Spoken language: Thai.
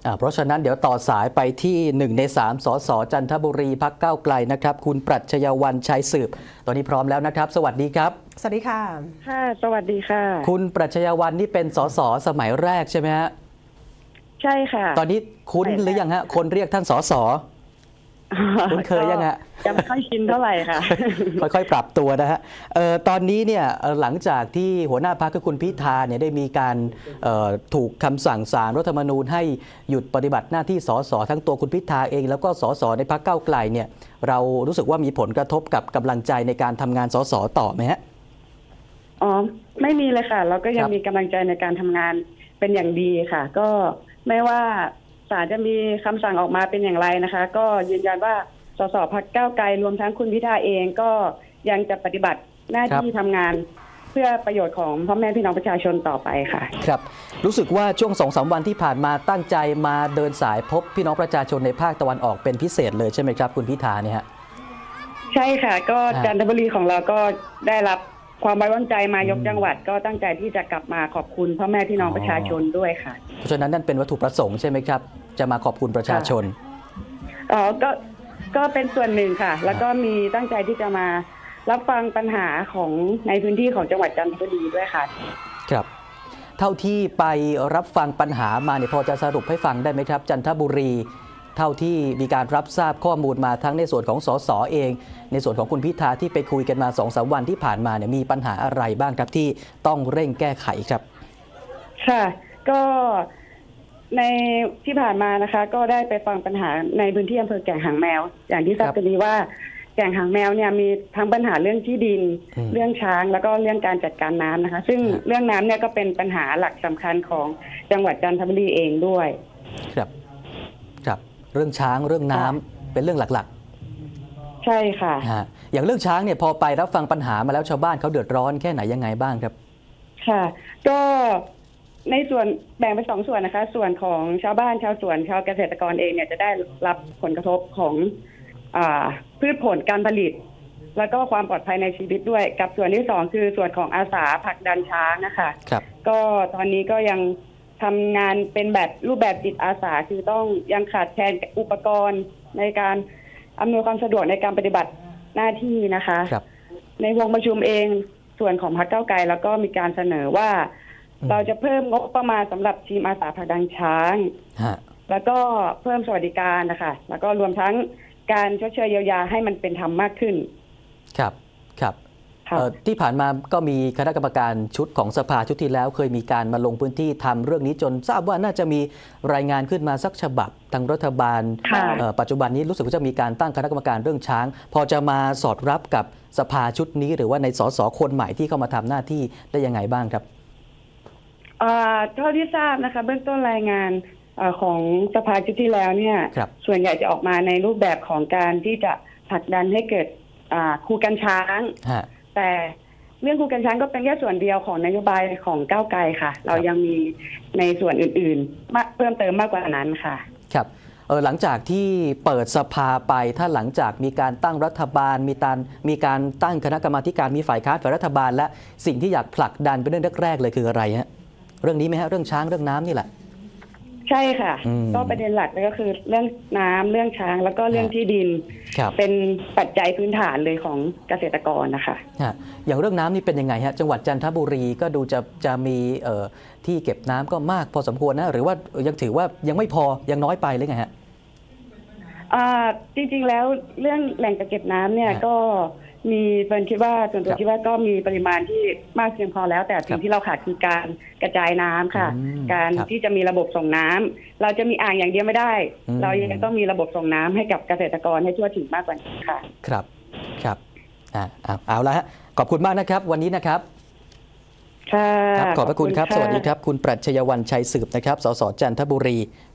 เพราะฉะนั้นเดี๋ยวต่อสายไปที่1ใน3สสจันทบุรีพรรคก้าวไกลนะครับคุณปรัชญาวัลย์ชัยสืบตอนนี้พร้อมแล้วนะครับสวัสดีครับสวัสดีค่ะค่ะสวัสดีค่ะคุณปรัชญาวัลย์นี่เป็นสสสมัยแรกใช่ไหมฮะใช่ค่ะตอนนี้คุ้นหรือยังฮะคนเรียกท่านสสคุ้นเคยยังฮะยังไม่ค่อยชินเท่าไหร่ค่ะค่อยๆปรับตัวนะฮะตอนนี้เนี่ยหลังจากที่หัวหน้าพรรคคือคุณพิธาเนี่ยได้มีการถูกคำสั่งศาลรัฐธรรมนูญให้หยุดปฏิบัติหน้าที่สสทั้งตัวคุณพิธาเองแล้วก็สสในพรรคก้าวไกลเนี่ยเรารู้สึกว่ามีผลกระทบกับกำลังใจในการทำงานสสต่อไหมฮะอ๋อไม่มีเลยค่ะเราก็ยังมีกำลังใจในการทำงานเป็นอย่างดีค่ะก็ไม่ว่าศาลจะมีคำสั่งออกมาเป็นอย่างไรนะคะก็ยืนยันว่าสสพรรคก้าวไกลรวมทั้งคุณพิธาเองก็ยังจะปฏิบัติหน้าที่ทำงานเพื่อประโยชน์ของพ่อแม่พี่น้องประชาชนต่อไปค่ะครับรู้สึกว่าช่วง 2-3 วันที่ผ่านมาตั้งใจมาเดินสายพบพี่น้องประชาชนในภาคตะวันออกเป็นพิเศษเลยใช่ไหมครับคุณพิธาเนี่ยฮะใช่ค่ะก็จันทบุรีของเราก็ได้รับความไว้วางใจมายกจังหวัดก็ตั้งใจที่จะกลับมาขอบคุณพ่อแม่พี่น้องประชาชนด้วยค่ะเพราะฉะนั้นนั่นเป็นวัตถุประสงค์ใช่ไหมครับจะมาขอบคุณประชาชนอ๋อก็เป็นส่วนหนึ่งค่ะแล้วก็มีตั้งใจที่จะมารับฟังปัญหาของในพื้นที่ของจังหวัดจันทบุรีด้วยค่ะครับเท่าที่ไปรับฟังปัญหามาเนี่ยพอจะสรุปให้ฟังได้ไหมครับจันทบุรีเท่าที่มีการรับทราบข้อมูลมาทั้งในส่วนของสสเองในส่วนของคุณพิธาที่ไปคุยกันมา 2-3 วันที่ผ่านมาเนี่ยมีปัญหาอะไรบ้างครับที่ต้องเร่งแก้ไขครับค่ะก็ในที่ผ่านมานะคะก็ได้ไปฟังปัญหาในพื้นที่อำเภอแก่งหางแมวอย่างที่ทราบกันดีว่าแก่งหางแมวเนี่ยมีทั้งปัญหาเรื่องที่ดินเรื่องช้างแล้วก็เรื่องการจัดการน้ำนะคะซึ่งเรื่องน้ำเนี่ยก็เป็นปัญหาหลักสำคัญของจังหวัดจันทบุรีเองด้วยครับเรื่องช้างเรื่องน้ำเป็นเรื่องหลักๆใช่ค่ะอย่างเรื่องช้างเนี่ยพอไปรับฟังปัญหามาแล้วชาวบ้านเขาเดือดร้อนแค่ไหนยังไงบ้างครับค่ะก็ในส่วนแบ่งเป็น2 ส่วนนะคะส่วนของชาวบ้านชาวสวนชาวเกษตรกรเองเนี่ยจะได้รับผลกระทบของพืชผลการผลิตแล้วก็ความปลอดภัยในชีวิตด้วยกับส่วนที่2คือส่วนของอาสาผลักดันช้างนะคะก็ตอนนี้ก็ยังทำงานเป็นแบบรูปแบบจิตอาสาคือต้องยังขาดแคลนอุปกรณ์ในการอำนวยความสะดวกในการปฏิบัติหน้าที่นะคะในวงประชุมเองส่วนของพรรคก้าวไกลแล้วก็มีการเสนอว่าเราจะเพิ่มงบประมาณสำหรับทีมอาสาผลักดันช้างแล้วก็เพิ่มสวัสดิการนะคะแล้วก็รวมทั้งการชดเชยเยียวยาให้มันเป็นธรรมมากขึ้นครับที่ผ่านมาก็มีคณะกรรมการชุดของสภาชุดที่แล้วเคยมีการมาลงพื้นที่ทำเรื่องนี้จนทราบว่าน่าจะมีรายงานขึ้นมาสักฉบับทางรัฐบาลปัจจุบันนี้รู้สึกว่าจะมีการตั้งคณะกรรมการเรื่องช้างพอจะมาสอดรับกับสภาชุดนี้หรือว่าในสสคนใหม่ที่เข้ามาทำหน้าที่ได้ยังไงบ้างครับเท่าที่ทราบนะคะเบื้องต้นรายงานของสภาชุดที่แล้วเนี่ยส่วนใหญ่จะออกมาในรูปแบบของการที่จะผลักดันให้เกิดครูกันช้างแต่เรื่องครูกันช้างก็เป็นแค่ส่วนเดียวของนโยบายของก้าวไกลค่ะเรายังมีในส่วนอื่นๆเพิ่มเติมมากกว่านั้นค่ะครับหลังจากที่เปิดสภาไปถ้าหลังจากมีการตั้งรัฐบาลมีการตั้งคณะกรรมาการมีฝ่ายค้านฝ่ายรัฐบาลและสิ่งที่อยากผลักดันเป็นเรื่องแรกๆเลยคืออะไรฮะเรื่องนี้ไหมฮะเรื่องช้างเรื่องน้ำนี่แหละใช่ค่ะก็ประเด็นหลักก็คือเรื่องน้ำเรื่องช้างแล้วก็เรื่องที่ดินเป็นปัจจัยพื้นฐานเลยของเกษตรกรนะคะอย่างเรื่องน้ำนี่เป็นยังไงฮะจังหวัดจันทบุรีก็ดูจะมีที่เก็บน้ำก็มากพอสมควรนะหรือว่ายังถือว่ายังไม่พอยังน้อยไปหรือไงฮะจริงๆแล้วเรื่องแหล่งกักเก็บน้ำเนี่ยก็มีเป็นคิดว่าส่วนตัวคิดว่าก็มีปริมาณที่มากเพียงพอแล้วแต่สิ่งที่เราขาดคือการกระจายน้ำค่ะการที่จะมีระบบส่งน้ำเราจะมีอ่างอย่างเดียวไม่ได้เรายังต้องมีระบบส่งน้ำให้กับเกษตรกรให้ทั่วถึงมากกว่านี้ค่ะครับเอาละฮะขอบคุณมากนะครับวันนี้นะครับค่ะขอบพระคุณครับสวัสดีครับคุณปรัชญาวัลย์ชัยสืบนะครับสสจันทบุรี